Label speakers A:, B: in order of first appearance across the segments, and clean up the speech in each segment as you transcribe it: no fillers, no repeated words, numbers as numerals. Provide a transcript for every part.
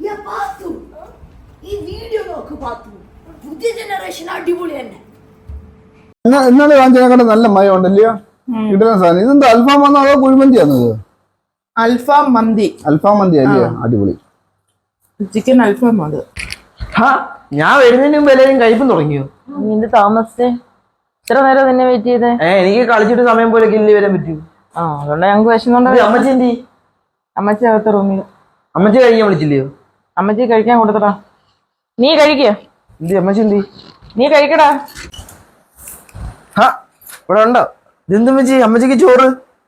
A: ഈ വീഡിയോ നോക്ക് പാത്തു. പുതിയ ജനറേഷൻ അടിപൊളി തന്നെ.
B: ഇന്നലെ കാണിച്ചതിനെക്കാളും നല്ല മയം ഉണ്ടല്ലയോ കിട്ടുന്ന സാധനം. ഇതെന്താ അൽഫാം വന്നോ അതോ കുഴിമന്തിയാണോ ഇത്?
C: അൽഫാം മന്തി.
B: അൽഫാം മന്തി അല്ലയോ? അടിപൊളി
C: ചിക്കൻ അൽഫാം അത്.
D: ഞാൻ വരുന്നതിന് മുമ്പ് എല്ലാവരും കഴിപ്പം തുടങ്ങിയോ?
E: നിന്റെ താമസിച്ചേ ഇത്ര നേരം നിന്നെ വെയിറ്റ് ചെയ്തേ?
D: എനിക്ക് കളിച്ചിട്ട് സമയം പോലെ കില്ലി വരാൻ പറ്റൂ.
E: അതുകൊണ്ട് ഞങ്ങൾക്ക് വിശന്നുണ്ടോ?
D: അമ്മച്ചി എന്തി?
E: അമ്മച്ചി അകത്ത റൂമിൽ.
D: അമ്മച്ചി കഴിക്കാൻ വിളിച്ചില്ലയോ?
E: അമ്മച്ചി കഴിക്കാൻ കൊടുത്തടാ. നീ കഴിക്ക.
D: എന്തി അമ്മച്ചി എന്തി?
E: നീ കഴിക്കടാ.
D: ഇവിടെ ഉണ്ടോ? ഇതെന്ത് അമ്മച്ചി? അമ്മച്ചിക്ക് ചോറ്?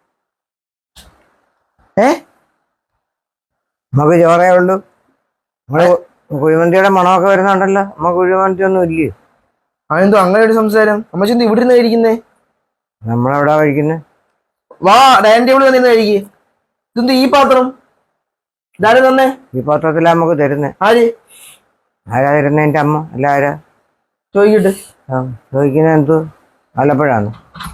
F: നമുക്ക് ചോറേ ഉള്ളൂ. നമ്മള് കുഴിമന്തിയുടെ മണമൊക്കെ വരുന്നുണ്ടല്ലോ. നമുക്ക് കുഴിമന്തി ഒന്നും ഇല്ലേ?
D: അതെന്തോ അങ്ങനെ ഒരു സംസാരം? അമ്മച്ചി എന്ത് ഇവിടെ നിന്ന് കഴിക്കുന്നേ?
F: നമ്മളെവിടാ കഴിക്കുന്നത്?
D: വാ ഡൈനിങ് ടേബിൾ വന്നിരുന്ന് കഴിക്കേ. ഇതെന്ത് ഈ പാത്രം? ഇതാര് തന്നെ?
F: ഈ പാത്രത്തിലാ നമുക്ക് തരുന്നേ.
D: ആര്?
F: ആരാ തരുന്നേ? എന്റെ അമ്മ. അല്ല ആരാ?
D: ചോദിക്കട്ടെ.
F: ചോദിക്കുന്നത് എന്തോ വല്ലപ്പോഴാണ്.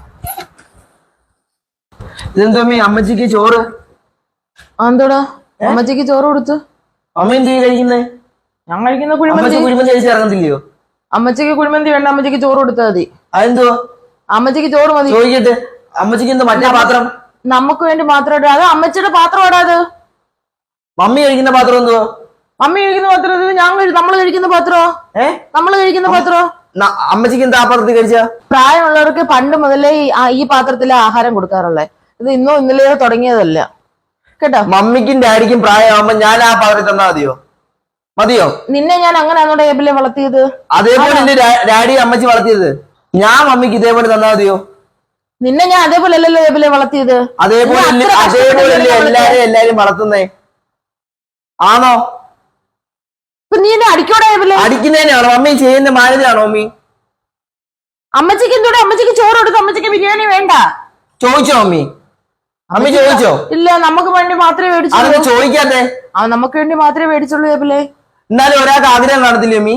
D: ഇതെന്തോ അമ്മ അമ്മച്ചിക്ക് ചോറ്?
E: എന്തോടാ അമ്മച്ചിക്ക് ചോറ് കൊടുത്തു?
D: അമ്മ എന്ത് കഴിക്കുന്നേ?
E: ഞാൻ കഴിക്കുന്ന കുഴിമന്തി.
D: കുഴിമന്തി കഴിച്ച് ഇറങ്ങത്തില്ലയോ?
E: അമ്മച്ചിക്ക് കുഴിമന്തി വേണ്ട, അമ്മച്ചിക്ക് ചോറ് കൊടുത്താൽ മതി.
D: അതെന്തോ?
E: അമ്മച്ചിക്ക് ചോറ് മതി.
D: ചോദിക്കട്ടെ. അമ്മച്ചിക്ക് എന്തോ മറ്റേ പാത്രം?
E: നമുക്ക് വേണ്ടി മാത്രം ഇടാ. അത് അമ്മച്ചിയുടെ പാത്രം ഇടാത്.
D: മമ്മി കഴിക്കുന്ന പാത്രം എന്തുവാ?
E: മമ്മി കഴിക്കുന്ന പാത്രം നമ്മള് കഴിക്കുന്ന പാത്രോ? നമ്മള് കഴിക്കുന്ന പാത്രോ?
D: അമ്മച്ചിക്ക് എന്താ ആ പാത്രത്തിൽ കഴിച്ച?
E: പ്രായമുള്ളവർക്ക് പണ്ട് മുതലേ ഈ പാത്രത്തിലെ ആഹാരം കൊടുക്കാറുള്ളത്. ഇത് ഇന്നോ ഇന്നലെയോ തുടങ്ങിയതല്ല കേട്ടോ.
D: മമ്മിക്കും ഡാഡിക്കും പ്രായമാകുമ്പോ ഞാൻ ആ പാത്രത്തിൽ തന്നാ മതിയോ?
E: നിന്നെ ഞാൻ അങ്ങനെയാണോ ടേബിളിൽ വളർത്തിയത്?
D: അതേപോലെ എന്റെ ഡാഡി അമ്മച്ചി വളർത്തിയത്. ഞാൻ മമ്മിക്ക് ഇതേപോലെ തന്നാ മതിയോ?
E: നിന്നെ ഞാൻ അതേപോലെ അല്ലല്ലോ ടേബിളിൽ വളർത്തിയത്.
D: അതേപോലെ എല്ലാരും വളർത്തുന്നേ ആണോ?
E: നീ എന്നെ അടിക്കോടെ ടേബിള്?
D: അടിക്കുന്നതിനാണോ? മമ്മി ചെയ്യുന്ന മാനേജാണോ മമ്മി?
E: അമ്മച്ചിക്ക് എന്തോടെ? അമ്മച്ചിക്ക് ചോറ് കൊടുത്തു. അമ്മച്ചിക്ക് ബിരിയാണി വേണ്ട.
D: ചോദിച്ചോ മമ്മി? അമ്മി ചോദിച്ചോ?
E: ഇല്ല, നമുക്ക് വേണ്ടി മാത്രമേ മേടിച്ചുള്ളൂ.
D: ചോദിക്കാത്തെ?
E: നമുക്ക് വേണ്ടി മാത്രമേ മേടിച്ചുള്ളൂ ടേബിളെ.
D: എന്നാലും ഒരാൾക്ക് ആഗ്രഹം കാണത്തില്ലേ മമ്മി?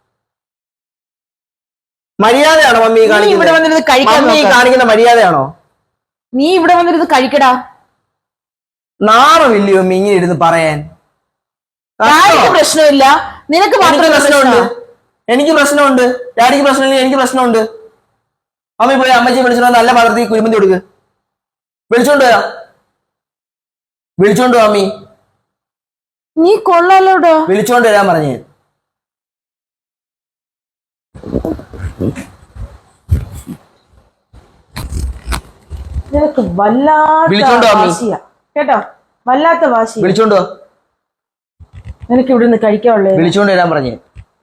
D: മര്യാദയാണോ മമ്മി കാണിക്കുന്ന മര്യാദയാണോ?
E: നീ ഇവിടെ വന്നിരുന്ന് കഴിക്കടാ.
D: നാണമില്ലയോ മമ്മി ഇങ്ങനെ ഇരുന്ന് പറയാൻ?
E: പ്രശ്നമില്ല, നിനക്ക് മാത്രം
D: പ്രശ്നമുണ്ട്. എനിക്ക് പ്രശ്നമുണ്ട്. ഡാഡിക്ക് പ്രശ്നമില്ല, എനിക്ക് പ്രശ്നമുണ്ട്. മമ്മി പോയി അമ്മച്ചി വിളിച്ചോ, നല്ല പാത്രത്തിൽ കുഴിമന്തി കൊടുക്ക്. വിളിച്ചോണ്ട് വാ മമ്മി.
E: നീ കൊള്ളാലോടാ.
D: വിളിച്ചോണ്ട് വരാൻ പറഞ്ഞേ.
E: നിനക്ക് വല്ലാത്ത വാശിയാ കേട്ടോ, വല്ലാത്ത വാശി.
D: വിളിച്ചോണ്ട് വാ.
E: നിനക്ക് ഇവിടെ നിന്ന് കഴിക്കാനുള്ളേ.
D: വിളിച്ചോണ്ട് വരാൻ പറഞ്ഞേ.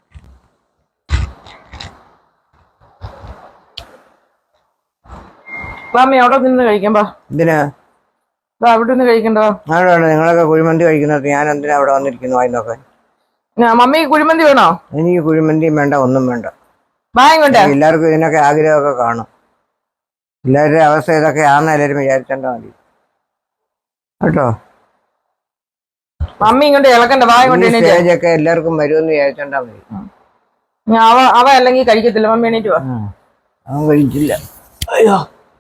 E: വാമി അവിടെ നിന്ന് കഴിക്കാം.
F: എന്തിനാ
E: അവിടെ നിന്ന് കഴിക്കണ്ടോ?
F: നിങ്ങളൊക്കെ കുഴിമന്തി കഴിക്കുന്നത് ഞാൻ എന്തിനാ അവിടെ വന്നിരിക്കുന്നു വായി നോക്കാൻ?
E: മമ്മി കുഴിമന്തി വേണോ?
F: എനിക്ക് കുഴിമന്തിയും വേണ്ട, ഒന്നും വേണ്ട.
E: വാങ്ങോട്ടെ.
F: എല്ലാവർക്കും ഇതിനൊക്കെ ആഗ്രഹമൊക്കെ കാണും. എല്ലാവരുടെ അവസ്ഥ ഇതൊക്കെ ആണെന്ന് എല്ലാവരും വിചാരിച്ചാൽ മതി കേട്ടോ.
E: മമ്മി ഇങ്ങോട്ട് ഇളക്കണ്ട.
F: സ്റ്റേജൊക്കെ എല്ലാവർക്കും വരുമെന്ന് വിചാരിച്ചാൽ മതി.
E: അവ അല്ലെങ്കിൽ കഴിക്കത്തില്ല. മമ്മി എണീറ്റ് വാ.
F: അവൻ കഴിച്ചില്ല.
D: അയ്യോ,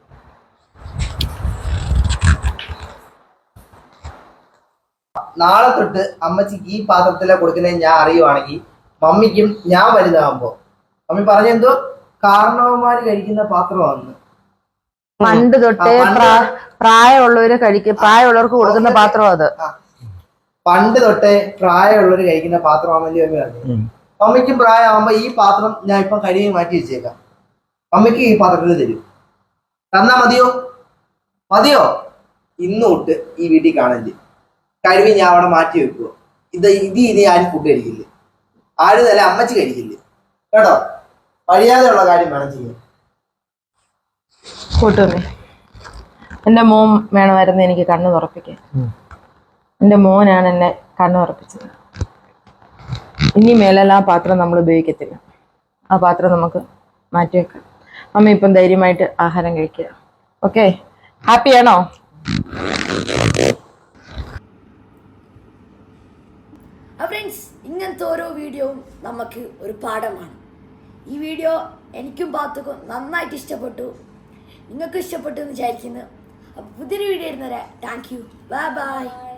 D: നാളെ തൊട്ട് അമ്മച്ചിക്ക് ഈ പാത്രത്തിലെ കൊടുക്കുന്നത് ഞാൻ അറിയുവാണെങ്കിൽ മമ്മിക്കും ഞാൻ വലുതാകുമ്പോ മമ്മി പറഞ്ഞെന്തോ കാരണവന്മാര് കഴിക്കുന്ന പാത്രമാണ്.
E: പണ്ട് തൊട്ടേ പ്രായമുള്ളവർക്ക് കൊടുക്കുന്ന പാത്രം അത്.
D: പണ്ട് തൊട്ടേ പ്രായമുള്ളവര് കഴിക്കുന്ന പാത്രമാണല്ലോ മമ്മി പറഞ്ഞു. മമ്മിക്കും പ്രായമാകുമ്പോ ഈ പാത്രം ഞാൻ ഇപ്പൊ കഴുകി മാറ്റി വെച്ചേക്കാം. മമ്മിക്ക് ഈ പാത്രത്തിൽ തരും. തന്നാ മതിയോ? ഇന്ന് തൊട്ട് ഈ വീട്ടിൽ കാണില്ല. കഴുകി ഞാൻ അവിടെ മാറ്റി വെക്കുവോ. ഇനി ആരും ഫുഡ് കഴിക്കില്ല. ആരും തന്നെ അമ്മച്ചി കഴിക്കില്ല കേട്ടോ. കഴിയാതെയുള്ള കാര്യം വേണം ചെയ്യാൻ.
E: കൂട്ടുമേ, എന്റെ മോൻ വേണമായിരുന്നു എനിക്ക് കണ്ണു തുറപ്പിക്കാൻ. എന്റെ മോനാണ് എന്നെ കണ്ണു തുറപ്പിച്ചത്. ഇനി മേലെല്ലാം ആ പാത്രം നമ്മൾ ഉപയോഗിക്കത്തില്ല. ആ പാത്രം നമുക്ക് മാറ്റിവെക്കാം. അമ്മ ഇപ്പം ധൈര്യമായിട്ട് ആഹാരം കഴിക്കുക. ഓക്കെ, ഹാപ്പിയാണോ?
A: ഫ്രണ്ട്സ്, ഇങ്ങനത്തെ ഓരോ വീഡിയോയും നമുക്ക് ഒരു പാഠമാണ്. ഈ വീഡിയോ എനിക്കും പാത്തുക്കും നന്നായിട്ട് ഇഷ്ടപ്പെട്ടു. നിങ്ങൾക്ക് ഇഷ്ടപ്പെട്ടു എന്ന് വിചാരിക്കുന്നു. അപ്പോൾ പുതിയൊരു വീഡിയോ വരുന്നവരെ താങ്ക് യു. Bye bye.